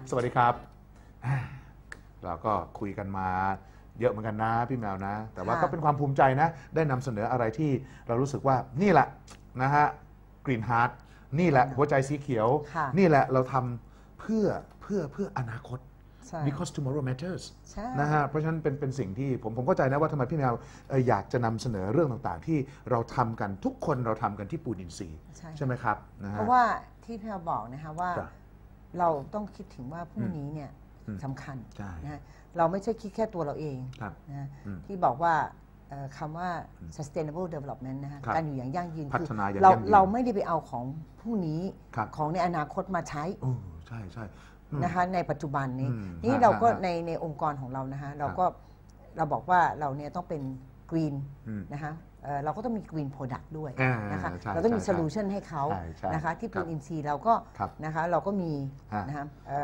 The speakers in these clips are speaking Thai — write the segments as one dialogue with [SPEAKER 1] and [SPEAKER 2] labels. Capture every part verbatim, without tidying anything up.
[SPEAKER 1] สวัสดีครับเราก็คุยกันมาเยอะเหมือนกันนะพี่แมวนะแต่ว่าก็เป็นความภูมิใจนะได้นำเสนออะไรที่เรารู้สึกว่านี่แหละนะฮะกรีนฮาร์ทนี่แหละหัวใจสีเขียวนี่แหละเราทำเพื่อเพื่อเพื่ออนาคต because tomorrow matters นะฮะเพราะฉะนั้นเป็นเป็นสิ่งที่ผมผมเข้าใจนะว่าทำไมพี่แมวอยากจะนำเสนอเรื่องต่างๆที่เราทำกันทุกคนเราทำกันที่ปูนอินทรีย์ใช่ไหมครับนะฮะ
[SPEAKER 2] เพราะว่าที่พี่แมวบอกนะคะว่าเราต้องคิดถึงว่าพรุ่งนี้เนี่ยสำคัญนะเราไม่ใช่คิดแค่ตัวเราเองนะที่บอกว่าคำว่า sustainable development นะคะการอยู่อย่างยั่งยืนคือเราเราไม่ได้ไปเอาของพรุ่งนี้ของในอนาคตมาใช้
[SPEAKER 1] ใช่ใช่
[SPEAKER 2] นะคะในปัจจุบันนี้นี่เราก็ในในองค์กรของเรานะคะเราก็เราบอกว่าเราเนี่ยต้องเป็น green นะคะเราก็ต้องมี green product ด้วยนะคะเราต้องมี solution ให้เขานะคะที่ปูนอินทรีย์เราก็นะคะเราก็มีนะคะ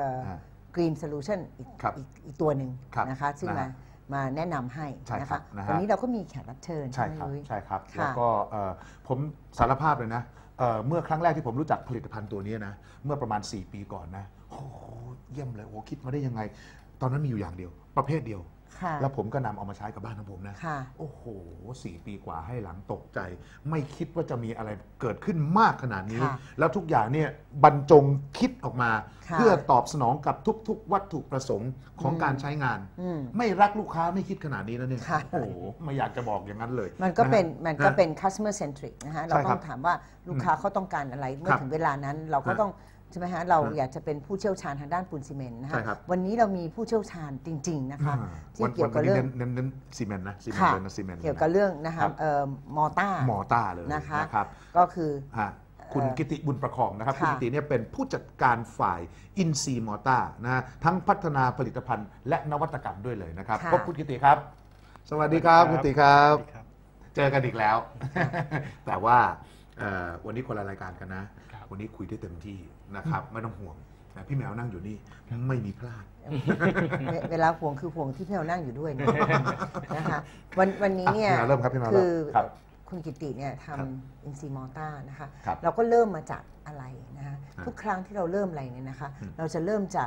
[SPEAKER 2] Green Solution อีกอีกตัวหนึ่งนะคะซึ่งมามาแนะนำให้นะคะวันนี้เราก็มีแขกรับเชิญ
[SPEAKER 1] ใช่ครับใช่ครับแล้วก็ผมสารภาพเลยนะเมื่อครั้งแรกที่ผมรู้จักผลิตภัณฑ์ตัวนี้นะเมื่อประมาณสี่ปีก่อนนะโอ้โหเยี่ยมเลยโอ้คิดมาได้ยังไงตอนนั้นมีอยู่อย่างเดียวประเภทเดียวแล้วผมก็นำเอามาใช้กับบ้านของผมนะโอ้โหสี่ปีกว่าให้หลังตกใจไม่คิดว่าจะมีอะไรเกิดขึ้นมากขนาดนี้แล้วทุกอย่างเนี่ยบรรจงคิดออกมาเพื่อตอบสนองกับทุกๆวัตถุประสงค์ของการใช้งานไม่รักลูกค้าไม่คิดขนาดนี้แล้วเนี่ยโอ้โหไม่อยากจะบอกอย่างนั้นเลย
[SPEAKER 2] มันก็เป็นมันก็เป็น customer centric นะฮะเราต้องถามว่าลูกค้าเขาต้องการอะไรเมื่อถึงเวลานั้นเราก็ต้องใช่ไหมฮะเราอยากจะเป็นผู้เชี่ยวชาญทางด้านปูนซีเมนต์นะคะวันนี้เรามีผู้เชี่ยวชาญจริงๆนะคะที่เกี่ยวกับเรื่อง
[SPEAKER 1] เน้นซีเมนต์นะซีเมนต์นะซีเมนต์
[SPEAKER 2] เกี่ยวกับเรื่องนะคะมอต้าม
[SPEAKER 1] อต้าเลย
[SPEAKER 2] นะคะก็คือ
[SPEAKER 1] คุณกิติบุญประคองนะครับคุณกิติเนี่ยเป็นผู้จัดการฝ่ายอินซีมอต้านะฮะทั้งพัฒนาผลิตภัณฑ์และนวัตกรรมด้วยเลยนะครับพบคุณกิติครับสวัสดีครับคุณกิติครับเจอกันอีกแล้วแต่ว่าวันนี้คนละรายการกันนะวันนี้คุยได้เต็มที่นะครับไม่ต้องห่วงนะพี่แมวนั่งอยู่นี่ไม่มีพลาด
[SPEAKER 2] เวลาห่วงคือห่วงที่พี่แมวนั่งอยู่ด้วยนะคะวันวันนี้เนี่ยคือคุณกิติเนี่ยทำอินซีมอต้านะคะเราก็เริ่มมาจากอะไรนะคะทุกครั้งที่เราเริ่มอะไรเนี่ยนะคะเราจะเริ่มจาก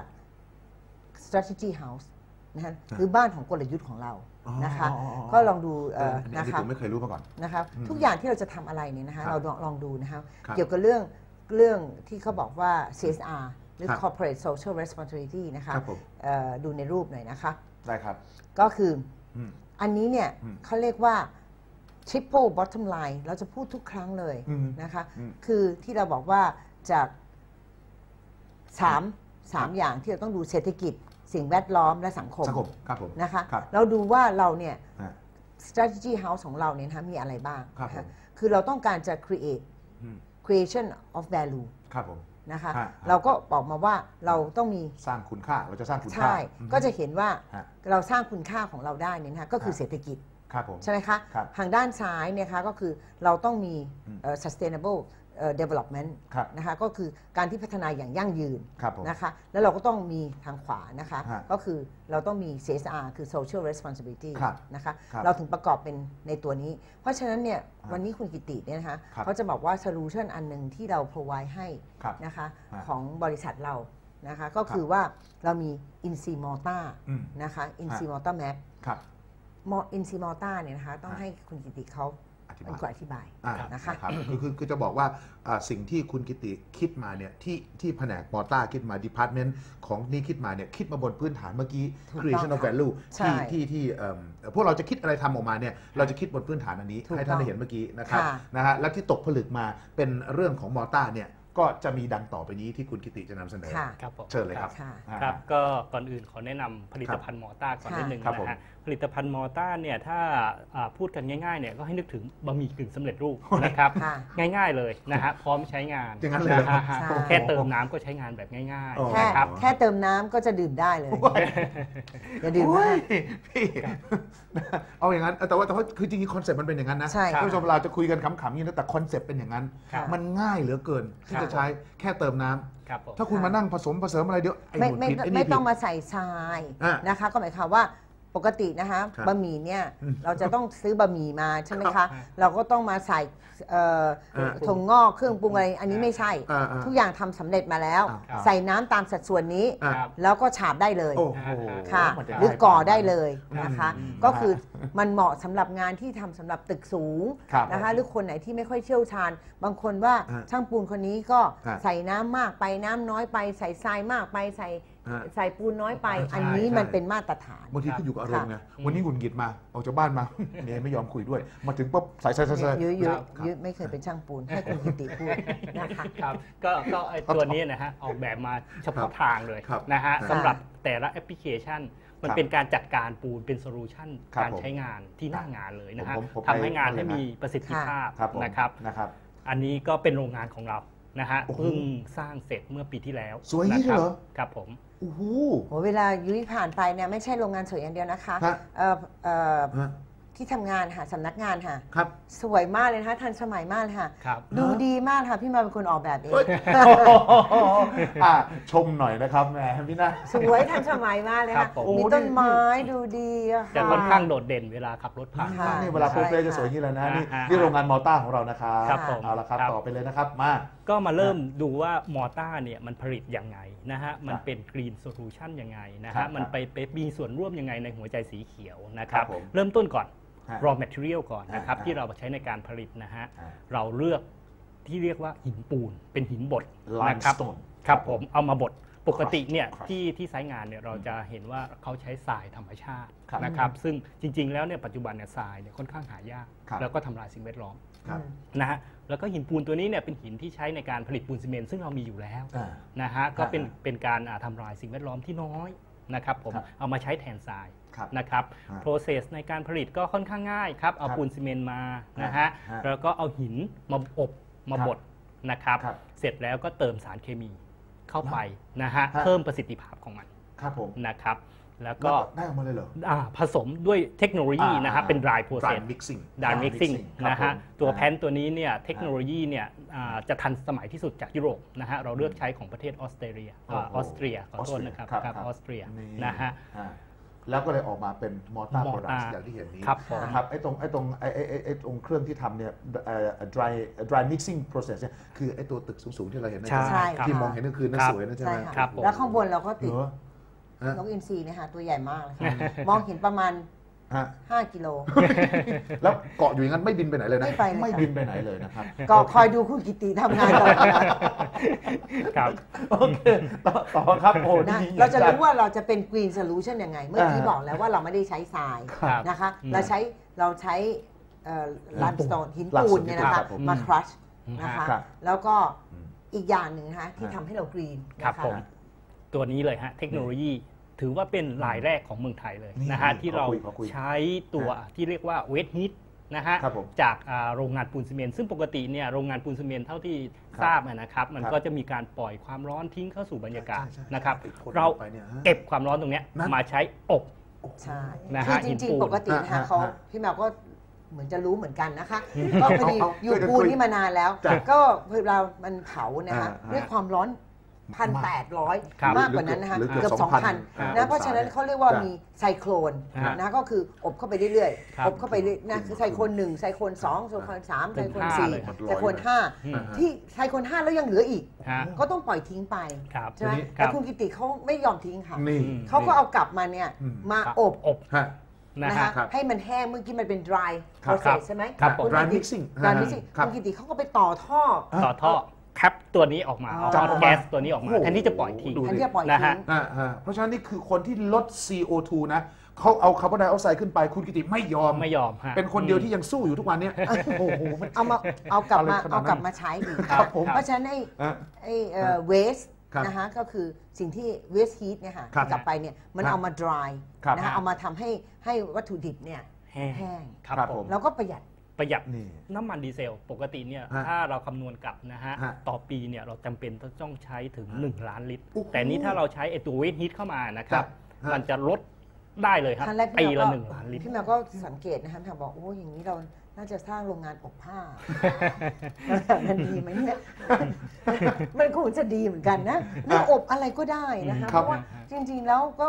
[SPEAKER 2] strategy house นะคะคือบ้านของกลยุทธ์ของเรานะคะก็ลองดู
[SPEAKER 1] นะคะผมไม่เคยรู้มาก่อน
[SPEAKER 2] นะคะทุกอย่างที่เราจะทำอะไรเนี่ยนะคะเราลองดูนะคะเกี่ยวกับเรื่องเรื่องที่เขาบอกว่า ซี เอส อาร์ หรือ corporate social responsibility นะคะดูในรูปหน่อยนะคะ
[SPEAKER 1] ได้ครับ
[SPEAKER 2] ก็คืออันนี้เนี่ยเขาเรียกว่า triple bottom line เราจะพูดทุกครั้งเลยนะคะคือที่เราบอกว่าจากสามสามอย่างที่เราต้องดูเศรษฐกิจสิ่งแวดล้อมและสังคมนะคะเราดูว่าเราเนี่ย strategy house ของเราเนี่ยมีอะไรบ้างคือเราต้องการจะ create creation of value
[SPEAKER 1] ครับผม
[SPEAKER 2] นะคะเราก็บอกมาว่าเราต้องมี
[SPEAKER 1] สร้างคุณค่าเราจะสร้างคุณค่า
[SPEAKER 2] ใช่ก็จะเห็นว่าเราสร้างคุณค่าของเราได้เนี่ยนะคะก็คือเศรษฐกิจใช่ไหมคะทางด้านซ้ายเนี่ยคะก็คือเราต้องมี sustainable development นะคะก็คือการที่พัฒนาอย่างยั่งยืนนะคะแล้วเราก็ต้องมีทางขวานะคะก็คือเราต้องมี ซี เอส อาร์ คือ social responsibility นะคะเราถึงประกอบเป็นในตัวนี้เพราะฉะนั้นเนี่ยวันนี้คุณกิติเนี่ยนะคะเขาจะบอกว่า solution อันหนึ่งที่เรา provide ให้นะคะของบริษัทเรานะคะก็คือว่าเรามี Incimota นะคะ Incimota Map Incimota เนี่ยนะคะต้องให้คุณกิติเขาเป็นคนอธิบายนะคะ
[SPEAKER 1] คือคือคือจะบอกว่าสิ่งที่คุณกิติคิดมาเนี่ยที่ที่แผนกมอต้าคิดมาดีพาร์ตเมนต์ของนี่คิดมาเนี่ยคิดมาบนพื้นฐานเมื่อกี้ creation of value ที่ที่ที่พวกเราจะคิดอะไรทำออกมาเนี่ยเราจะคิดบนพื้นฐานอันนี้ให้ท่านได้เห็นเมื่อกี้นะครับนะฮะและที่ตกผลึกมาเป็นเรื่องของมอต้าเนี่ยก็จะมีดังต่อไปนี้ที่คุณกิติจะนำเสนอเชิญเลยครับ
[SPEAKER 3] ครับก็ก่อนอื่นขอแนะนำผลิตภัณฑ์มอต้าก่อนนิดนึงนะฮะผลิตภัณฑ์มอต้าเนี่ยถ้าพูดกันง่ายๆเนี่ยก็ให้นึกถึงบะหมี่กึ่งสำเร็จรูปนะครับง่ายๆเลยนะฮะพร้อมใช้งานแค่เติมน้ำก็ใช้งานแบบง่ายๆนะครับ
[SPEAKER 2] แค่เติมน้ำก็จะดื่มได้เลยอย่าดื่มนะ
[SPEAKER 1] พี่เอาอย่างนั้นแต่ว่าแต่ว่าคือจริงๆคอนเซ็ปต์มันเป็นอย่างนั้นนะท่านผู้ชมเราจะคุยกันขำๆนี่นะแต่คอนเซ็ปต์เป็นอย่างนั้นมันง่ายเหลือเกินที่จะใช้แค่เติมน้ำถ้าคุณมานั่งผสมผสมอะไรเดี๋ยวไอ้หมดผิดไอ้นี่ผิด
[SPEAKER 2] ไม่ต้องมาใส่ทรายนะคะก็หมายความว่าปกตินะคะบะหมี่เนี่ยเราจะต้องซื้อบะหมี่มาใช่ไหมคะเราก็ต้องมาใส่ถั่วงอกเครื่องปรุงอะไรอันนี้ไม่ใช่ทุกอย่างทำสำเร็จมาแล้วใส่น้ำตามสัดส่วนนี้แล้วก็ฉาบได้เลยค่ะหรือก่อได้เลยนะคะก็คือมันเหมาะสำหรับงานที่ทำสำหรับตึกสูงนะคะหรือคนไหนที่ไม่ค่อยเชี่ยวชาญบางคนว่าช่างปูนคนนี้ก็ใส่น้ำมากไปน้ำน้อยไปใส่ทรายมากไปใส่ใส่ปูนน้อยไปอันนี้มันเป็นมาตรฐาน
[SPEAKER 1] บางทีขึ้นอยู่กับอารมณ์ไงวันนี้หงุดหงิดมาออกจากบ้านมาเมียไม่ยอมคุยด้วยมาถึงปุ๊บใส่ใส่ใส่ใส่
[SPEAKER 2] ยื้อยื้อยื้อไม่เคยเป็นช่างปูนให้คุณกิติพูดนะคะ
[SPEAKER 3] ครับก็ก็ไอตัวนี้นะฮะออกแบบมาเฉพาะทางเลยนะฮะสำหรับแต่ละแอปพลิเคชันมันเป็นการจัดการปูนเป็นโซลูชันการใช้งานที่หน้างานเลยนะฮะทำให้งานให้มีประสิทธิภาพนะครับอันนี้ก็เป็นโรงงานของเรานะฮะเพิ่งสร้างเสร็จเมื่อปีที่แล้ว
[SPEAKER 1] สวยนี่เหรอ
[SPEAKER 3] ครับผม
[SPEAKER 1] โอ้โห
[SPEAKER 2] เวลายุ้ยผ่านไปเนี่ยไม่ใช่โรงงานสวยอย่างเดียวนะคะที่ทำงานค่ะสำนักงานค่ะ
[SPEAKER 1] ครับ
[SPEAKER 2] สวยมากเลยนะคะทันสมัยมากเลยค่ะดูดีมากค่ะพี่มาเป็นคนออกแบบเอง
[SPEAKER 1] ชมหน่อยนะครับแม่พี่นะ
[SPEAKER 2] สวยทันสมัยมากเลยค่ะมีต้นไม้ดูดีอะ
[SPEAKER 3] ค่ะจะค่อนข้างโดดเด่นเวลาขับรถผ่าน
[SPEAKER 1] นี่เวลาโปรเฟสจะสวยนี่แหละนะนี่นี่โรงงานมอต้าของเรานะครับเอาละครับต่อไปเลยนะครับมา
[SPEAKER 3] ก็มาเริ่มดูว่ามอต้าเนี่ยมันผลิตยังไงนะฮะมันเป็นกรีนโซลูชันยังไงนะฮะมันไปมีส่วนร่วมยังไงในหัวใจสีเขียวนะครับเริ่มต้นก่อน raw material ก่อนนะครับที่เราใช้ในการผลิตนะฮะเราเลือกที่เรียกว่าหินปูนเป็นหินบดนะครับครับผมเอามาบดปกติเนี่ยที่ที่ไซต์งานเนี่ยเราจะเห็นว่าเขาใช้ทรายธรรมชาตินะครับซึ่งจริงๆแล้วเนี่ยปัจจุบันเนี่ยทรายเนี่ยค่อนข้างหายากแล้วก็ทำลายสิ่งแวดล้อมนะฮะแล้วก็หินปูนตัวนี้เนี่ยเป็นหินที่ใช้ในการผลิตปูนซีเมนต์ซึ่งเรามีอยู่แล้วนะฮะก็เป็นเป็นการทำลายสิ่งแวดล้อมที่น้อยนะครับผมเอามาใช้แทนทรายนะครับ process ในการผลิตก็ค่อนข้างง่ายครับเอาปูนซีเมนต์มานะฮะแล้วก็เอาหินมาอบมาบดนะครับเสร็จแล้วก็เติมสารเคมีเข้าไปนะฮะเพิ่มประสิทธิภาพของมัน
[SPEAKER 1] ครับผม
[SPEAKER 3] นะครับแล้วก็
[SPEAKER 1] ได้ออกมาเลยเหรอ
[SPEAKER 3] ผสมด้วยเทคโนโลยีนะฮะเป็น dry process
[SPEAKER 1] mixing
[SPEAKER 3] dry mixing นะฮะตัวแพนตัวนี้เนี่ยเทคโนโลยีเนี่ยจะทันสมัยที่สุดจากยุโรปนะฮะเราเลือกใช้ของประเทศออสเตรเลียออสเตรียขอโทษนะครับครับออสเตรียนะฮะ
[SPEAKER 1] แล้วก็เลยออกมาเป็นมอต้าโปรดักต์อย่างที่เห็นนี้นะครับไอ้ตรงไอ้ตรงไอ้ไอ้ไอ้ตรงเครื่องที่ทำเนี่ย dry dry mixing process เนี่ยคือไอ้ตัวตึกสูงๆที่เราเห็นนั่นที่มองเห็นนั่นคือนั่นสวยนั่นใช่ไหม
[SPEAKER 2] ครับแล้วข้างบนเราก็ติดนกอินทรีเนี่ยค่ะตัวใหญ่มากเลยค่ะมองเห็นประมาณห้ากิโล
[SPEAKER 1] แล้วเกาะอยู่อย่างนั้นไม่บินไปไหนเลยนะไม่บินไปไหนเลยนะครับ
[SPEAKER 2] ก็คอยดูคุณกิติทำงานก่อน
[SPEAKER 3] ครับ
[SPEAKER 1] โอเคต่อครับโอ้
[SPEAKER 2] นะเราจะรู้ว่าเราจะเป็น green solution ยังไงเมื่อกี้บอกแล้วว่าเราไม่ได้ใช้ทรายนะคะเราใช้เราใช้ลัมสโตนหินปูนเนี่ยนะคะมาครัชนะคะแล้วก็อีกอย่างหนึ่งนะคะที่ทำให้เรา green นะคะ
[SPEAKER 3] ตัวนี้เลยฮะเทคโนโลยีถือว่าเป็นรายแรกของเมืองไทยเลยนะฮะที่เราใช้ตัวที่เรียกว่าเวทฮีทนะฮะจากโรงงานปูนซีเมนต์ซึ่งปกติเนี่ยโรงงานปูนซีเมนต์เท่าที่ทราบนะครับมันก็จะมีการปล่อยความร้อนทิ้งเข้าสู่บรรยากาศนะครับเราเก็บความร้อนตรงนี้มาใช้อบ
[SPEAKER 2] ใช่คือจริงๆปกตินะคะเขาพี่แมวก็เหมือนจะรู้เหมือนกันนะคะก็พอดีอยู่ปูนนี่มานานแล้วก็เรามันเผานะคะด้วยความร้อนพันแปดร้อยมากกว่านั้นนะคะเกือบสองพันนะเพราะฉะนั้นเขาเรียกว่ามีไซโครนนะก็คืออบเข้าไปเรื่อยๆอบเข้าไปนะคือไซโครนหนึ่งไซโครนสองไซโครนสามไซโครนสี่ไซโครนห้าที่ไซโครนห้าแล้วยังเหลืออีกก็ต้องปล่อยทิ้งไปใช่ไหมแต่คุณกิติเขาไม่ยอมทิ้งค่ะเขาก็เอากลับมาเนี่ยมาอบนะคะให้มันแห้งเมื่อกี้มันเป็น dry process ใช่ไหม
[SPEAKER 1] dry mixing
[SPEAKER 2] dry mixing คุณกิติเขาก็ไปต่อท่อ
[SPEAKER 3] ต่อท่อแคปตัวนี้ออกมาเอาแก๊สตัวนี้ออกมาแทนที่จะปล่อยทิ้งนะฮะ
[SPEAKER 1] เพราะฉะนั้นนี่คือคนที่ลด ซี โอ ทู นะเขาเอาคาร์บอนไดออกไซด์ขึ้นไปคุณกิติไม่ยอม
[SPEAKER 3] ไม่ยอม
[SPEAKER 1] เป็นคนเดียวที่ยังสู้อยู่ทุกวันนี้โอ้โห
[SPEAKER 2] เอามาเอากลับมาเอากลับมาใช้อีกเพราะฉะนั้นไอ้ไอ้เวสนะคะก็คือสิ่งที่เวสฮีทเนี่ยค่ะกลับไปเนี่ยมันเอามา dry นะคะเอามาทำให้ให้วัตถุดิบเนี่ยแห้งแล้วก็ประหยัด
[SPEAKER 3] ประหยัดน้ำมันดีเซลปกติเนี่ยถ้าเราคำนวณกลับนะฮะต่อปีเนี่ยเราจำเป็นต้องใช้ถึงหนึ่งล้านลิตรแต่นี้ถ้าเราใช้ไอตัวเวทฮีทเข้ามานะครับมันจะลดได้เลยครับปีละหนึ่งล้านลิตร
[SPEAKER 2] พี่แมวก็สังเกตนะครับถามบอกโอ้อย่างนี้เราน่าจะสร้างโรงงานอบผ้ามันดีไหมเนี่ยมันคงจะดีเหมือนกันนะนี่อบอะไรก็ได้นะคะเพราะว่าจริงๆแล้วก็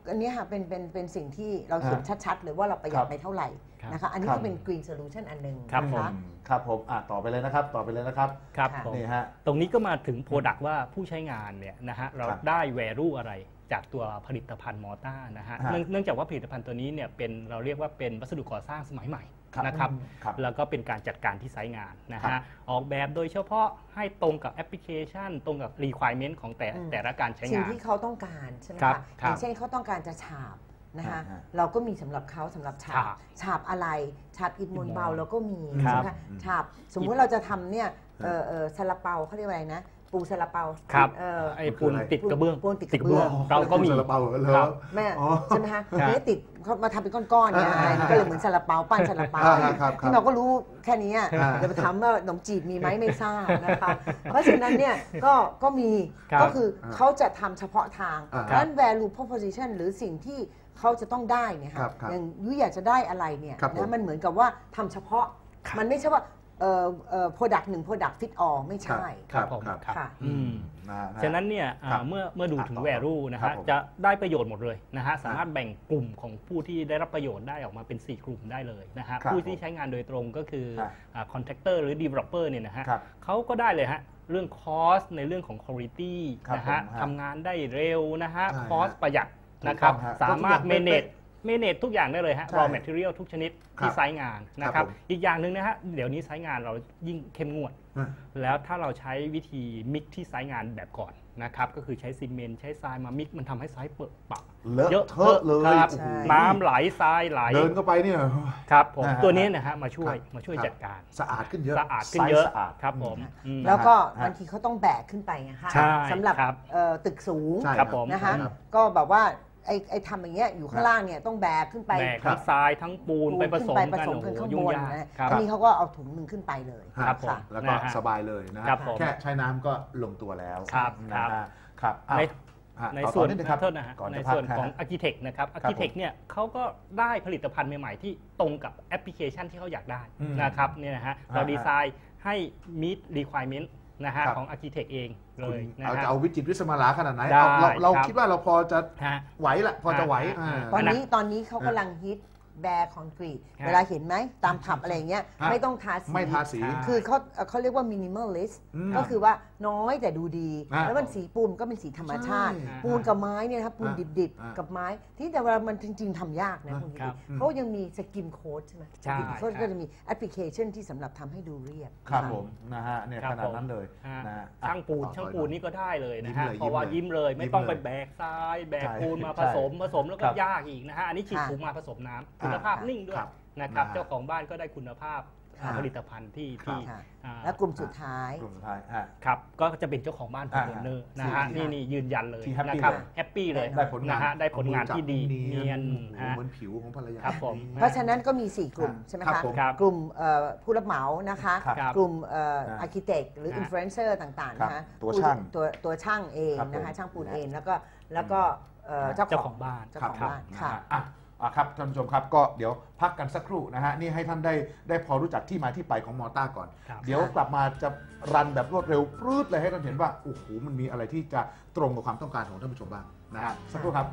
[SPEAKER 2] อันนี้ค่ะเป็นเป็นเป็นสิ่งที่เราเห็นชัดๆเลยว่าเราประหยัดไปเท่าไหร่นะคะอันนี้ก็เป็น Green Solution อันหนึ่งนะคะ
[SPEAKER 1] ครับผมอ่ะต่อไปเลยนะครับต่อไปเลยนะครับ
[SPEAKER 3] ครับ
[SPEAKER 1] นี่ฮะ
[SPEAKER 3] ตรงนี้ก็มาถึง Product ว่าผู้ใช้งานเนี่ยนะฮะเราได้ value อะไรจากตัวผลิตภัณฑ์มอต้านะฮะเนื่องจากว่าผลิตภัณฑ์ตัวนี้เนี่ยเป็นเราเรียกว่าเป็นวัสดุก่อสร้างสมัยใหม่นะครับแล้วก็เป็นการจัดการที่ไซต์งานนะฮะออกแบบโดยเฉพาะให้ตรงกับแอปพลิเคชันตรงกับ requirement ของแต่แต่ละการใช้งาน
[SPEAKER 2] สิ่งที่เขาต้องการใช่ไหมคะอย่างเช่นเขาต้องการจะฉาบนะคะเราก็มีสำหรับเขาสำหรับฉาบฉาบอะไรฉาบอิฐมวลเบาเราก็มีใช่ไหมคะฉาบสมมุติเราจะทำเนี่ยซาลาเปาเขาเรียกว่าอะไรนะปูซาลาเปา
[SPEAKER 3] ครับไอ้ปูนติดกระเบื้อง
[SPEAKER 2] ปูนติดกระเบื้อง
[SPEAKER 3] เราก็มี
[SPEAKER 1] ซาลาเปาเหรอ
[SPEAKER 2] แม่ใช่ไหมคะนี่ติดเขามาทำเป็นก้อนๆเนี่ยก็เลยเหมือนซาลาเปาปั้นซาลาเปาที่เราก็รู้แค่นี้จะไปถามว่าขนมจีบมีไหมไม่ทราบนะคะเพราะฉะนั้นเนี่ยก็ก็มีก็คือเขาจะทำเฉพาะทางนั้น value proposition หรือสิ่งที่เขาจะต้องได้เนี่ยค่ะอย่างยุ้ยอยากจะได้อะไรเนี่ยนะมันเหมือนกับว่าทำเฉพาะมันไม่ใช่ว่าเอ่อเอ่อ product หนึ่ง product fit all ไม่ใช่
[SPEAKER 3] ครับผมค่ะฉะนั้นเนี่ยเมื่อเมื่อดูถึง value นะฮะจะได้ประโยชน์หมดเลยนะฮะสามารถแบ่งกลุ่มของผู้ที่ได้รับประโยชน์ได้ออกมาเป็นสี่กลุ่มได้เลยนะฮะผู้ที่ใช้งานโดยตรงก็คือ contractor หรือ developer เนี่ยนะฮะเขาก็ได้เลยฮะเรื่อง cost ในเรื่องของ quality นะฮะทำงานได้เร็วนะฮะ cost ประหยัดนะครับสามารถ manageเมเนจทุกอย่างได้เลยฮะ raw material ทุกชนิดที่ไซต์งานนะครับอีกอย่างหนึ่งนะฮะเดี๋ยวนี้ไซต์งานเรายิ่งเข้มงวดแล้วถ้าเราใช้วิธีมิกที่ไซต์งานแบบก่อนนะครับก็คือใช้ซีเมนต์ใช้ทรายมามิกมันทำให้ไซต์เปิดปะ
[SPEAKER 1] เยอะเทอะเลย
[SPEAKER 3] น้ำไหลทรายไหล
[SPEAKER 1] เดินเข้าไปเนี่ย
[SPEAKER 3] ครับผมตัวนี้นะฮะมาช่วยมาช่วยจัดการ
[SPEAKER 1] สะอาดขึ้นเยอะ
[SPEAKER 3] สะอาดขึ้นเยอะครับผม
[SPEAKER 2] แล้วก็บางทีเขาต้องแบกขึ้นไปนะคะสำหรับตึกสูงนะคะก็แบบว่าไอ้ไอ้ทำอย่างเงี้ยอยู่ข้างล่างเนี่ยต้องแบกขึ้นไป
[SPEAKER 3] แบกทั้งทรายทั้งปูนไปผสมกัน
[SPEAKER 2] ข้างบนนะทีนี้เขาก็เอาถุงหนึ่งขึ้นไปเลย
[SPEAKER 1] ครับแล้วก็สบายเลยนะแค่ใช้น้ำก็ลงตัวแล้ว
[SPEAKER 3] ครับ
[SPEAKER 1] ครับ
[SPEAKER 3] ในส่วนขอโทษนะฮะในส่วนของ Architect นะครับ Architect เนี่ยเขาก็ได้ผลิตภัณฑ์ใหม่ๆที่ตรงกับแอปพลิเคชันที่เขาอยากได้นะครับเนี่ยนะฮะเราดีไซน์ให้ meet requirementนะฮะของ Architect เองเลยนะ
[SPEAKER 1] ฮะจะเอาวิจิตรวิสมาลาขนาดไหนเราเราคิดว่าเราพอจะไหวละพอจะไหว
[SPEAKER 2] ตอนนี้ตอนนี้เขากำลังฮิตแบร์คอนกรีตเวลาเห็นไหมตามผับอะไรเงี้ยไม่ต้องทาสี
[SPEAKER 1] ไม่ทาสี
[SPEAKER 2] คือเขาเขาเรียกว่ามินิมอลลิสต์ก็คือว่าน้อยแต่ดูดีแล้วมันสีปูนก็เป็นสีธรรมชาติปูนกับไม้เนี่ยนะครับปูนดิบๆกับไม้ที่แต่เวลามันจริงๆทำยากนะคุณเขายังมีสกิมโค้ดใช่ไหมเขาก็จะมีแอปพลิเคชันที่สำหรับทำให้ดูเรียบ
[SPEAKER 1] ครับผมนะฮะเนี่ยขนาดนั้นเลย
[SPEAKER 3] ช่างปูนช่างปูนนี่ก็ได้เลยนะฮะเพราะว่ายิ้มเลยไม่ต้องไปแบกทรายแบกปูนมาผสมผสมแล้วก็ยากอีกนะฮะอันนี้ฉีดถุงมาผสมน้ำคุณภาพนิ่งด้วยนะครับเจ้าของบ้านก็ได้คุณภาพผลิตภัณฑ์ที่ที่
[SPEAKER 2] และกลุ่มสุดท้าย
[SPEAKER 1] กลุ่มสุดท้าย
[SPEAKER 3] ครับก็จะเป็นเจ้าของบ้านโฮมโอเนอร์นะฮะนี่นี่ยืนยันเลยนะครับแฮปปี้เลยนะฮะได้ผลงานที่ดีเนียน
[SPEAKER 1] เหมือนผิวของภรรยา
[SPEAKER 3] ครับผม
[SPEAKER 2] เพราะฉะนั้นก็มีสี่กลุ่มใช่ไหมคะกลุ่มผู้รับเหมานะคะกลุ่มอาร์คิเต็กหรืออินฟลูเอนเซอร์ต่างๆนะคะ
[SPEAKER 1] ตัวช่าง
[SPEAKER 2] ตัวตัวช่างเองนะคะช่างปูนเองแล้วก็แล้วก็
[SPEAKER 3] เจ้าของบ้าน
[SPEAKER 2] เจ้าของบ้านค่ะ
[SPEAKER 1] ครับท่านผู้ชมครับก็เดี๋ยวพักกันสักครู่นะฮะนี่ให้ท่านได้ได้พอรู้จักที่มาที่ไปของมอต้าก่อนเดี๋ยวกลับมาจะรันแบบรวดเร็วปรื๊ดเลยให้ท่านเห็นว่าโอ้โหมันมีอะไรที่จะตรงกับความต้องการของท่านผู้ชมบ้างนะฮะสักครู่ครับ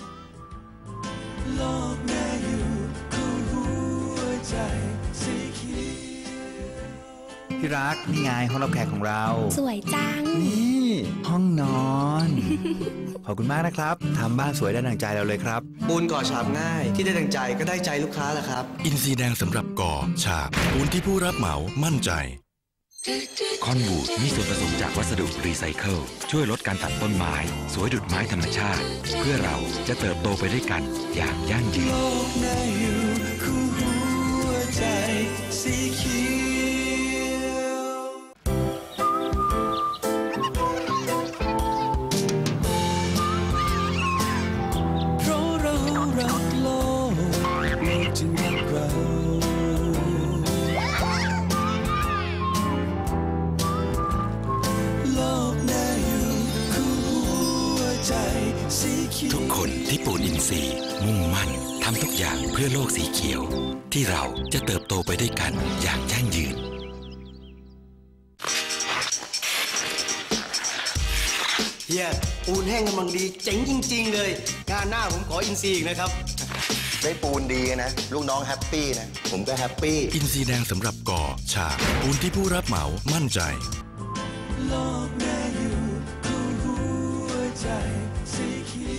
[SPEAKER 1] โลกแม่อยู่คู่หัวใจสีเขียว
[SPEAKER 4] ที่รักนี่ไงห้องรับแขกของเรา
[SPEAKER 5] สวยจัง
[SPEAKER 4] นี่ห้องนอนขอบคุณมากนะครับทำบ้านสวยได้ดังใจเราเลยครับ
[SPEAKER 6] ปูนก่อฉาบง่ายที่ได้ดังใจก็ได้ใจลูกค้าแหละครับ
[SPEAKER 7] อินทรีย์แดงสำหรับก่อฉาบปูนที่ผู้รับเหมามั่นใจคอนบูดมีส่วนผสมจากวัสดุรีไซเคิลช่วยลดการตัดต้นไม้สวยดุจไม้ธรรมชาติเพื่อเราจะเติบโตไปด้วยกันอย่างยั่งยืนทุกคนที่ปูนอินทรีย์มุ่งมั่นทำทุกอย่างเพื่อโลกสีเขียวที่เราจะเติบโตไปด้วยกันอย่างยั่งยืน
[SPEAKER 6] เฮียปูนแห้งกำลังดีเจ๋งจริงๆเลยงานหน้าผมขออินซีอีกนะครับได้ปูนดีนะลูกน้องแฮปปี้นะผมก็แฮปปี้
[SPEAKER 7] อินซีแดงสำหรับก่อฉาบปูนที่ผู้รับเหมามั่นใจ
[SPEAKER 1] โลกน่าอยู่คู่หัวใจสีเขี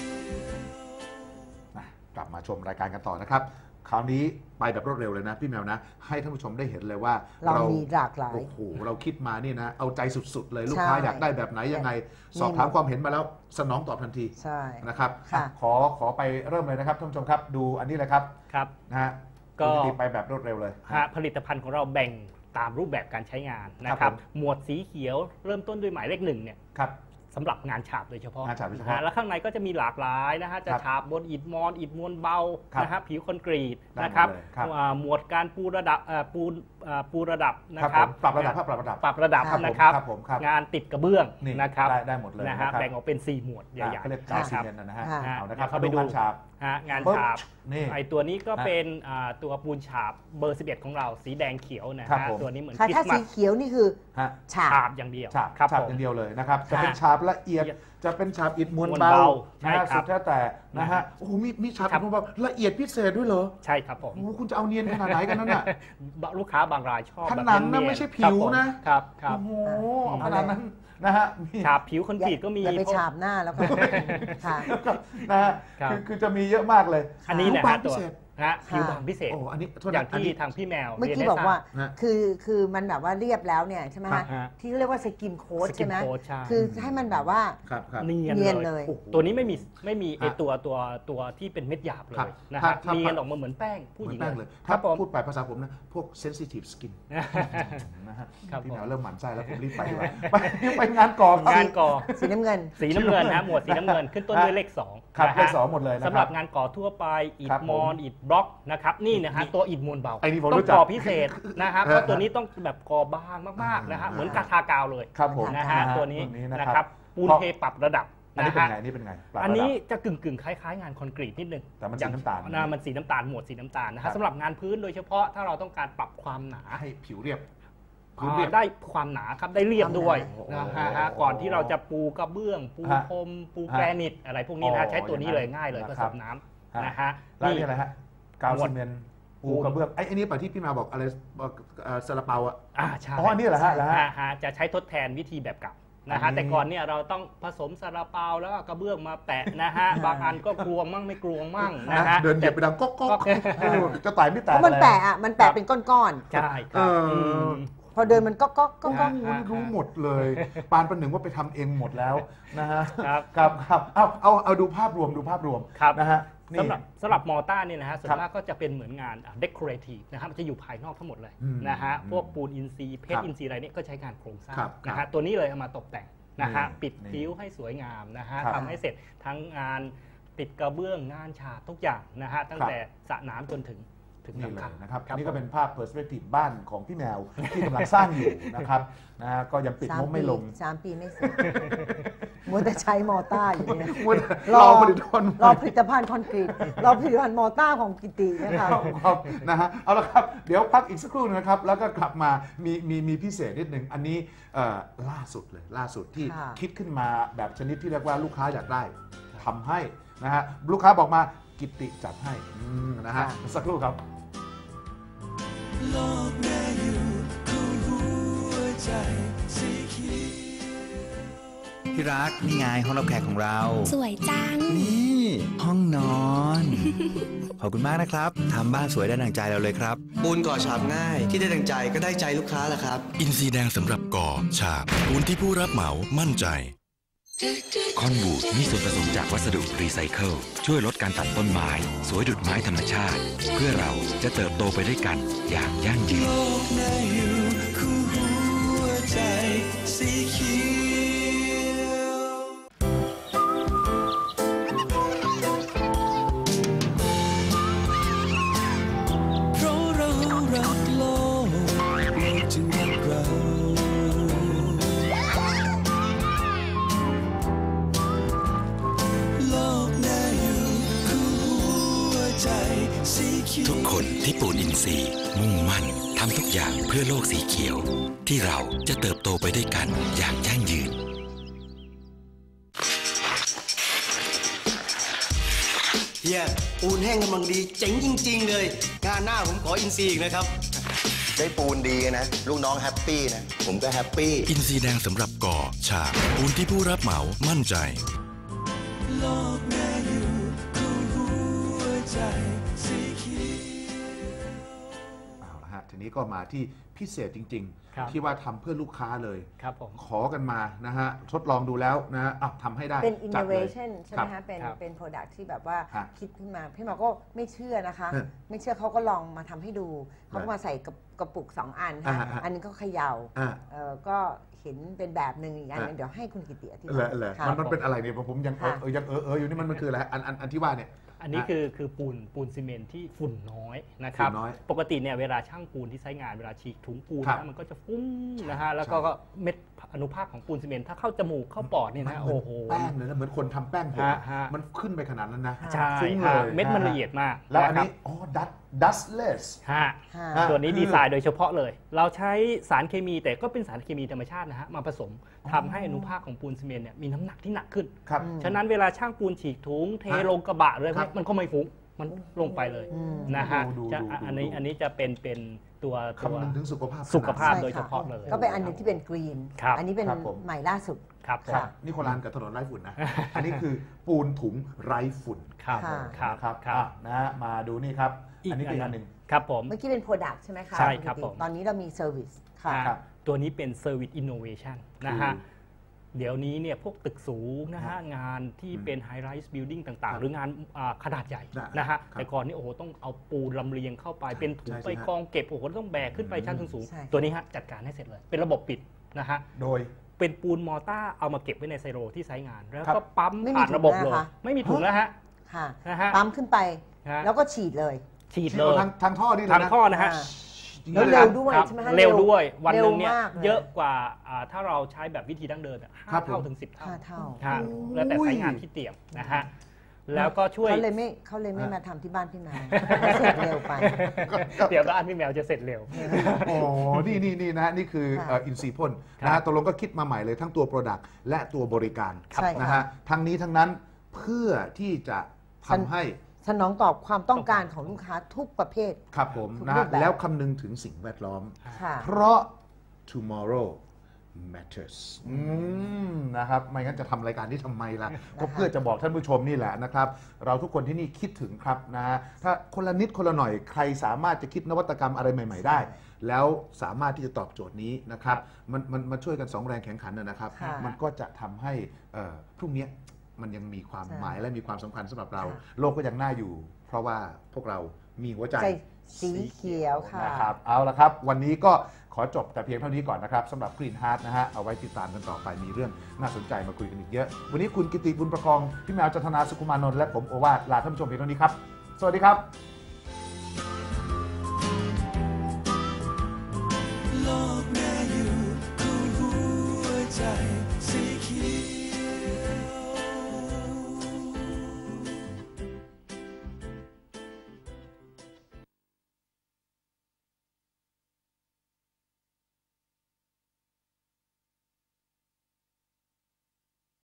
[SPEAKER 1] ยวกลับมาชมรายการกันต่อนะครับคราวนี้ไปแบบรวดเร็วเลยนะพี่แมวนะให้ท่านผู้ชมได้เห็นเลยว่า
[SPEAKER 2] เรามีหลากหลาย
[SPEAKER 1] โอ้โหเราคิดมานี่นะเอาใจสุดๆเลยลูกค้าอยากได้แบบไหนยังไงสอบถามความเห็นมาแล้วสนองตอบทันทีนะครับขอขอไปเริ่มเลยนะครับท่านผู้ชมครับดูอันนี้เลยครับ
[SPEAKER 3] ครับ
[SPEAKER 1] นะฮะก็ไปแบบรวดเร็วเลย
[SPEAKER 3] ผลิตภัณฑ์ของเราแบ่งตามรูปแบบการใช้งานนะครับหมวดสีเขียวเริ่มต้นด้วยหมายเลขหนึ่งเนี่ยสำหรับงานฉาบโดยเฉพาะ
[SPEAKER 1] งานฉาบโดยเฉพาะ
[SPEAKER 3] แล้วข้างในก็จะมีหลากหลายนะฮะจะฉาบบนอิฐมอนอิฐมวลเบานะฮะผิวคอนกรีตนะครับหมวดการปูระดับปูปูระดับนะครับ
[SPEAKER 1] ปรับระดับปรับระดับ
[SPEAKER 3] ปรับระดับนะครับงานติดกระเบื้องนะครับ
[SPEAKER 1] ได้หมดเลย
[SPEAKER 3] นะฮะแบ่งออกเป็นสี่หมวดใหญ่ๆ
[SPEAKER 1] เขาเรียกกาวซีเมนต์นะฮะเอานะครับ
[SPEAKER 3] ไปดู
[SPEAKER 1] งานฉาบ
[SPEAKER 3] งานฉาบไอตัวนี้ก็เป็นตัวปูนฉาบเบอร์สิบเอ็ดของเราสีแดงเขียวนะฮะตัวนี้เหมือน
[SPEAKER 2] ถ้าสีเขียวนี่คือ
[SPEAKER 3] ฉาบอย่างเดียว
[SPEAKER 1] ฉาบอย่างเดียวเลยนะครับจะเป็นฉาบละเอียดจะเป็นฉาบอิฐมวลเบานะสุดแท้แต่นะฮะโอ้โหมีมีฉาบอิฐมวลเบาละเอียดพิเศษด้วยเหรอ
[SPEAKER 3] ใช่ครับผม
[SPEAKER 1] โอ้คุณจะเอาเนียนขนาดไหนกันนั่นน่ะ
[SPEAKER 3] ลูกค้าบางรายชอบ
[SPEAKER 1] ผนังนะไม่ใช่ผิวนะครับโอ้โหขนาดนั้นนะฮะ
[SPEAKER 3] ฉาบผิวคอนกรีตก็มี
[SPEAKER 2] อย่าไปฉาบหน้าแล้วก็
[SPEAKER 1] นะฮะคือจะมีเยอะมากเลย
[SPEAKER 3] อันนี้นะฮะตัวนะผิวบางพิเศษอย่างที่ทางพี่แมว
[SPEAKER 2] เมื่อกี้บอกว่าคือคือมันแบบว่าเรียบแล้วเนี่ยใช่ไหมฮะที่เรียกว่าสกินโค้ดใช่ไหมคือให้มันแบบว่า
[SPEAKER 3] เนียนเลยตัวนี้ไม่มีไม่มีไอตัวตัวตัวที่เป็นเม็ดหยาบเลยนะฮะเนียนออกมาเหมือนแป้งผู้หญิง
[SPEAKER 1] เลยถ้าพูดไปภาษาผมนะพวก sensitive skin นะฮะพี่แมวเริ่มหมั่นไส้แล้วผมรีบไปดีกว่าไปไปงานก่อง
[SPEAKER 3] านก่อ
[SPEAKER 2] สีน้ำเงิน
[SPEAKER 3] สีน้ำเงินนะหมวดสีน้ำเงินขึ้นต้นด้วยเลขสอง
[SPEAKER 1] ครับเลขสองหมดเลย
[SPEAKER 3] สำหรับงานก่อทั่วไปอิฐมอนอิฐบล็อกนะครับนี่นะฮะตัวอิฐมวลเบาต้องก่อพิเศษนะครับเพราะตัวนี้ต้องแบบก่อบางมากๆนะฮะเหมือนกาทากาวเลยนะฮะตัวนี้นะครับปูนเทปรับระดับ
[SPEAKER 1] อันนี้เป็นไงนี่เป็นไง
[SPEAKER 3] อันนี้จะกึ่งกึ่งคล้ายๆงานคอนกรีตนิดนึง
[SPEAKER 1] แต่มันสีน้ำตาล
[SPEAKER 3] นะมันสีน้ำตาลหมวดสีน้ำตาลนะฮะสำหรับงานพื้นโดยเฉพาะถ้าเราต้องการปรับความหนา
[SPEAKER 1] ให้ผิวเรียบ
[SPEAKER 3] ได้ความหนาครับได้เรียบด้วยนะฮะก่อนที่เราจะปูกระเบื้องปูพรมปูแกรนิตอะไรพวกนี้นะใช้ตัวนี้เลยง่ายเลยผสมน้ำนะฮะ
[SPEAKER 1] นี่อะไรฮะกาวซีเมนต์ปูกระเบื้องไอ้นี่ป่ะที่พี่มาบอกอะไรซาลาเปาอ่ะ
[SPEAKER 3] อ่าใช่
[SPEAKER 1] อ๋อนี่แหละฮะแล้ว
[SPEAKER 3] ฮะจะใช้ทดแทนวิธีแบบเก่านะฮะแต่ก่อนเนี่ยเราต้องผสมซาลาเปาแล้วก็กระเบื้องมาแปะนะฮะบางอันก็กลวงมั่งไม่กลวงมั่งนะฮะ
[SPEAKER 1] เดินเหยียบไปดังก๊อกก๊อกจะตายไม่แตก
[SPEAKER 2] เพราะมันแปะอ่ะมันแปะเป็นก้อน
[SPEAKER 3] ๆใช่ครับ
[SPEAKER 2] พอเดินมันก็ก็ก็ก็
[SPEAKER 1] รู้หมดเลยปานประหนึ่งว่าไปทำเองหมดแล้วนะฮะครับครับครับเอาเอาเอาดูภาพรวมดูภาพรวมนะฮะ
[SPEAKER 3] สำหรับสำหรับมอต้าเนี่ยนะฮะส่วนมากก็จะเป็นเหมือนงาน decorative นะครับมันจะอยู่ภายนอกทั้งหมดเลยนะฮะพวกปูนอินทรีย์เพชรอินทรีย์อะไรนี่ก็ใช้งานโครงสร้างนะฮะตัวนี้เลยเอามาตกแต่งนะฮะปิดคิ้วให้สวยงามนะฮะทำให้เสร็จทั้งงานติดกระเบื้องงานฉาบทุกอย่างนะฮะตั้งแต่สระน้ำจนถึง
[SPEAKER 1] นี่เลยนะครับนี่ก็เป็นภาพ perspective บ้านของพี่แมวที่กำลังสร้างอยู่นะครับนะฮะก็ยังปิดงบไม่ลง
[SPEAKER 2] สามปีไม่เสร็จมัวแต่ใช้มอต้าอยู่เนี่ย
[SPEAKER 1] รอผลิตภัณฑ์
[SPEAKER 2] รอผลิตภัณฑ์คอนกรีตรอผลิตภัณฑ์มอต้าของกิตินะครับ
[SPEAKER 1] นะฮะเอาละครับเดี๋ยวพักอีกสักครู่นะครับแล้วก็กลับมามีมีมีพิเศษนิดหนึ่งอันนี้ล่าสุดเลยล่าสุดที่คิดขึ้นมาแบบชนิดที่เรียกว่าลูกค้าอยากได้ทำให้นะฮะลูกค้าบอกมากิติจัดให้นะฮะสักครู่ครับโลกน่าอยู่คู่หัวใจสีเขียว
[SPEAKER 4] ที่รักนี่ไงห้องรับแขกของเรา
[SPEAKER 5] สวยจัง
[SPEAKER 4] นี่ห้องนอน ขอบคุณมากนะครับทำบ้านสวยได้ดังใจเราเลยครับ
[SPEAKER 6] ปูนก่อฉาบง่ายที่ได้ดังใจก็ได้ใจลูกค้าแหละครับ
[SPEAKER 7] อินซีแดงสำหรับก่อฉาบปูนที่ผู้รับเหมามั่นใจคอนบูดมีส่วนผสมจากวัสดุรีไซเคิลช่วยลดการตัดต้นไม้สวยดุจไม้ธรรมชาติเพื่อเราจะเติบโตไปด้วยกันอย่างยั่งยืน
[SPEAKER 1] เพราะเรารักโลกโลกจึงรักเรา
[SPEAKER 7] ทุกคนที่ปูนอินทรีย์มุ่งมั่นทำทุกอย่างเพื่อโลกสีเขียวที่เราจะเติบโตไปด้วยกันอย่างยั่งยืน
[SPEAKER 6] เฮียปูนแห้งกำลังดีเจ๋งจริงๆเลยงานหน้าผมขออินซีอีกนะครับได้ปูนดีนะลูกน้องแฮปปี้นะผมก็แฮปปี้
[SPEAKER 7] อินซีแดงสำหรับก่อฉาบปูนที่ผู้รับเหมามั่นใจ
[SPEAKER 5] โลกน่าอยู่คู่หัวใจสีเขียว
[SPEAKER 1] เอาละฮะทีนี้ก็มาที่พิเศษจริง
[SPEAKER 3] ครับ
[SPEAKER 1] ๆ ที่ว่าทำเพื่อลูกค้าเลย
[SPEAKER 3] ครับผม
[SPEAKER 1] ขอกันมานะฮะทดลองดูแล้วนะฮะอ่ะทำให้ได้
[SPEAKER 2] เป็น
[SPEAKER 1] จัดเลย
[SPEAKER 2] innovation ใช่ไหม
[SPEAKER 1] ครั
[SPEAKER 2] คะ
[SPEAKER 1] บ
[SPEAKER 2] เป็น
[SPEAKER 3] ครับ
[SPEAKER 2] เป็น product ที่แบบว่า
[SPEAKER 1] ฮะ
[SPEAKER 2] คิดขึ้นมา พี่หมอก็ไม่เชื่อนะคะ
[SPEAKER 1] ฮะ
[SPEAKER 2] ไม่เชื่อเขาก็ลองมาทำให้ดู เขาก็มาใส่กระกระปุกสองอันค่ะ
[SPEAKER 1] อ่าฮะ
[SPEAKER 2] อันนึงก็เขย่า
[SPEAKER 1] อ่า
[SPEAKER 2] เอ่อก็เห็นเป็นแบบหนึ่งอีกอันหนึง
[SPEAKER 1] อ่ะ
[SPEAKER 2] เดี๋ยวให้คุณกิติอธิ
[SPEAKER 1] เหร
[SPEAKER 2] บา
[SPEAKER 1] อย เหรอ
[SPEAKER 2] ค่ะ
[SPEAKER 1] มันมันเป็นอะไรเนี่ยผมยังเออ
[SPEAKER 2] ค่ะ
[SPEAKER 1] เออยังเออเอออยู่นี่มันมันคืออะไรอันอันอันที่ว่าเนี่ย
[SPEAKER 3] อันนี้คือคือปูนปูนซีเมนต์ที่ฝุ่นน้อยนะครับ
[SPEAKER 1] ฝุ่นน้อย
[SPEAKER 3] ปกติเนี่ยเวลาช่างปูนที่ใช้งานเวลาฉีกถุงปูน
[SPEAKER 1] ครับ
[SPEAKER 3] นะมันก็จะฟุ้งนะฮะแล้วก็ก็เม็ดอนุภาคของปูนซีเมนต์ถ้าเข้าจมูกเข้าปอดเนี่ยนะโอ้โห
[SPEAKER 1] แป้งเลยนะเหมือนคนทำแป้งผม
[SPEAKER 3] ฮะฮะ
[SPEAKER 1] มันขึ้นไปขนาดนั้นนะ
[SPEAKER 3] ใช่
[SPEAKER 1] ฟุ้ง
[SPEAKER 3] ฮะ
[SPEAKER 1] เลย
[SPEAKER 3] เม็ดมันละเอียดมาก
[SPEAKER 1] แล้วอัน
[SPEAKER 3] ะครับ
[SPEAKER 1] นี้อ๋อ dust dustless
[SPEAKER 3] ฮะ
[SPEAKER 2] ค่ะ
[SPEAKER 1] ฮะ
[SPEAKER 3] ตัวนี้
[SPEAKER 1] คือ
[SPEAKER 3] ดีไซน์โดยเฉพาะเลย เราใช้สารเคมีแต่ก็เป็นสารเคมีธรรมชาตินะฮะมาผสมทำให้อนุภาคของปูนซีเมนต์เนี่ยมีน้ำหนักที่หนักขึ้น
[SPEAKER 1] ครับ
[SPEAKER 3] ฉะนั้นเวลาช่างปูนฉีกถุงเท
[SPEAKER 1] ฮะ
[SPEAKER 3] ลงกระบะเลย
[SPEAKER 1] ครับ
[SPEAKER 3] มันก็ไม่ฟุ้งมันลงไปเลย
[SPEAKER 2] อืม
[SPEAKER 3] นะฮะ
[SPEAKER 1] ดูดู
[SPEAKER 3] จะ
[SPEAKER 1] ดูดู
[SPEAKER 3] อันนี้
[SPEAKER 1] ดู
[SPEAKER 3] อันนี้จะเป็นเป็นตัวตัว
[SPEAKER 1] คำนึงถึงสุขภาพ
[SPEAKER 3] สุขภาพ
[SPEAKER 2] ใช่
[SPEAKER 3] โดยเฉพาะเลย
[SPEAKER 2] ก็เป็นอันหนึงที่เป็นกรีน
[SPEAKER 3] ครับ
[SPEAKER 2] อันนี้เป็น
[SPEAKER 1] ครับผม
[SPEAKER 2] ใหม่ล่าสุด
[SPEAKER 3] ครับผม
[SPEAKER 1] ครับนี่โคลานกับถนนไร้ฝุ่นนะ อันนี้คือปูนถุงไร้ฝุ่น
[SPEAKER 3] ครับ
[SPEAKER 2] ค่ะ
[SPEAKER 3] ครับ
[SPEAKER 1] นะครับ
[SPEAKER 3] ครับ
[SPEAKER 1] อ่ะนะฮะมาดูนี่ครับ
[SPEAKER 3] อีก
[SPEAKER 1] อันนี้เป็นอันหนึ่ง
[SPEAKER 3] ครับผม
[SPEAKER 2] เมื่อกี้เป็น product ใช่ไหมคะ
[SPEAKER 3] ใช่ครับ
[SPEAKER 2] ณกิติ
[SPEAKER 3] ผม
[SPEAKER 2] ตอนนี้เรามี service ค่ะ
[SPEAKER 3] อ่า
[SPEAKER 1] ครับ
[SPEAKER 3] ตัวนี้เป็น Service Innovation นะฮะ
[SPEAKER 1] คือ
[SPEAKER 3] เดี๋ยวนี้เนี่ยพวกตึกสูงนะฮะงานที่เป็น High Rise Building ต่าง
[SPEAKER 1] ครับ
[SPEAKER 3] ๆ หรืองานอ่าขนาดใหญ่
[SPEAKER 1] นะ
[SPEAKER 3] นะฮะ
[SPEAKER 1] ครับ
[SPEAKER 3] แต่ก่อนนี่โอ้โหต้องเอาปูนลำเลียงเข้าไปเป็นถุง
[SPEAKER 1] ใช่
[SPEAKER 3] ไป
[SPEAKER 1] ใช่
[SPEAKER 3] กองเก็บโอ้โหต้องแบกขึ้นไปชั้นสูง
[SPEAKER 2] ใช่
[SPEAKER 3] ๆตัวนี้ฮะจัดการให้เสร็จเลย เป็นระบบปิดนะฮะ
[SPEAKER 1] โดย
[SPEAKER 3] เป็นปูนมอร์ต้าเอามาเก็บไว้ในไซโลที่ไซต์งาน แล้ว
[SPEAKER 1] ครั
[SPEAKER 3] ก็
[SPEAKER 1] บ
[SPEAKER 3] ปั๊ม
[SPEAKER 2] ไม่มี
[SPEAKER 3] ผ่านระบบ
[SPEAKER 2] ถุง
[SPEAKER 3] เลย
[SPEAKER 2] นะคะ
[SPEAKER 3] ไม่มีถุงแล้วฮะ
[SPEAKER 2] ค่ะ
[SPEAKER 3] นะฮะ
[SPEAKER 2] ปั๊มขึ้นไป
[SPEAKER 3] ฮะ
[SPEAKER 2] แล้วก็ฉีดเลย
[SPEAKER 3] ฉีด
[SPEAKER 1] ที่
[SPEAKER 3] เล
[SPEAKER 1] เอา
[SPEAKER 3] ย
[SPEAKER 1] ทางทางท่อนี่เลย
[SPEAKER 3] ทาง
[SPEAKER 1] นะ
[SPEAKER 3] ท่อนะฮะ
[SPEAKER 2] อ่า
[SPEAKER 1] จริง
[SPEAKER 2] แล้ว
[SPEAKER 1] ๆ
[SPEAKER 2] เร็ว
[SPEAKER 1] นะ
[SPEAKER 2] ด้วย
[SPEAKER 3] ครับ
[SPEAKER 2] ใช่ไหมคะ
[SPEAKER 3] เร็วด้วยวันหนึ่งเนี่ย
[SPEAKER 2] ร็วมากล
[SPEAKER 3] เยอะกว่าอ่าถ้าเราใช้แบบวิธีดั้งเดิมอะ
[SPEAKER 1] ครั
[SPEAKER 3] ห้า
[SPEAKER 1] บผม
[SPEAKER 3] เท่าถึงสิบเท่า
[SPEAKER 2] ห้าเท่า
[SPEAKER 3] ฮะแล้วแต่สายงานที่เตรียมนะฮะแล้วก็ช่วย
[SPEAKER 2] เขาเลยไม่เขาเลยไม่มาทำที่บ้านพี่นายเสร็จเร็วไป
[SPEAKER 3] เดี๋ยวบ้านพี่แมวจะเสร็จเร็ว
[SPEAKER 1] โอ้นี่นี่นี่นะฮะนี่คือ
[SPEAKER 2] ค่ะ
[SPEAKER 1] อินซีพ่น
[SPEAKER 3] ครับ
[SPEAKER 1] นะฮะตกลงก็คิดมาใหม่เลยทั้งตัว Product และตัวบริการ
[SPEAKER 2] ใช่ค่ะ
[SPEAKER 1] นะฮะทั้งนี้ทั้งนั้นเพื่อที่จะทำให้
[SPEAKER 2] สนองตอบความต้องการของลูกค้าทุกประเภท
[SPEAKER 1] ครับผม
[SPEAKER 2] ทุก
[SPEAKER 1] นะ
[SPEAKER 2] รู
[SPEAKER 1] ฮะ
[SPEAKER 2] ปแบบ
[SPEAKER 1] แล้วคำนึงถึงสิ่งแวดล้อม
[SPEAKER 2] ค่ะ
[SPEAKER 1] เพราะ tomorrow matters อืมนะครับไม่งั้นจะทำรายการที่ทำไมล่ะ ก็เพื่อจะบอกท่านผู้ชมนี่แหละนะครับ เราทุกคนที่นี่คิดถึงครับนะฮะถ้าคนละนิดคนละหน่อยใครสามารถจะคิดนวัตกรรมอะไรใหม่ ๆ ได้ แล้วสามารถที่จะตอบโจทย์นี้นะครับมันมันมาช่วยกันสองแรงแข่งขันนะนะครับ
[SPEAKER 2] ค่ะ
[SPEAKER 1] มันก็จะทำให้เอ่อพรุ่งนี้มันยังมีความ
[SPEAKER 2] ใช่
[SPEAKER 1] หมายและมีความสำคัญสำหรับเรา
[SPEAKER 2] ค่ะ
[SPEAKER 1] โลกก็ยังน่าอยู่ เพราะว่าพวกเรามีหัวใจ
[SPEAKER 2] ใจสีเขียวค่ะ
[SPEAKER 1] นะครับเอาละครับ วันนี้ก็ขอจบแต่เพียงเท่านี้ก่อนนะครับสำหรับ Green Heart นะฮะเอาไว้ติดตามกันต่อไปมีเรื่องน่าสนใจมาคุยกันอีกเยอะ วันนี้คุณกิติบุญประคอง พี่แมวจันทนาสุขุมานนท์และผมโอวาทลาท่านผู้ชมเพียงเท่านี้ครับ สวัสดีครับ
[SPEAKER 5] โลกน่าอยู่คู่หัวใจ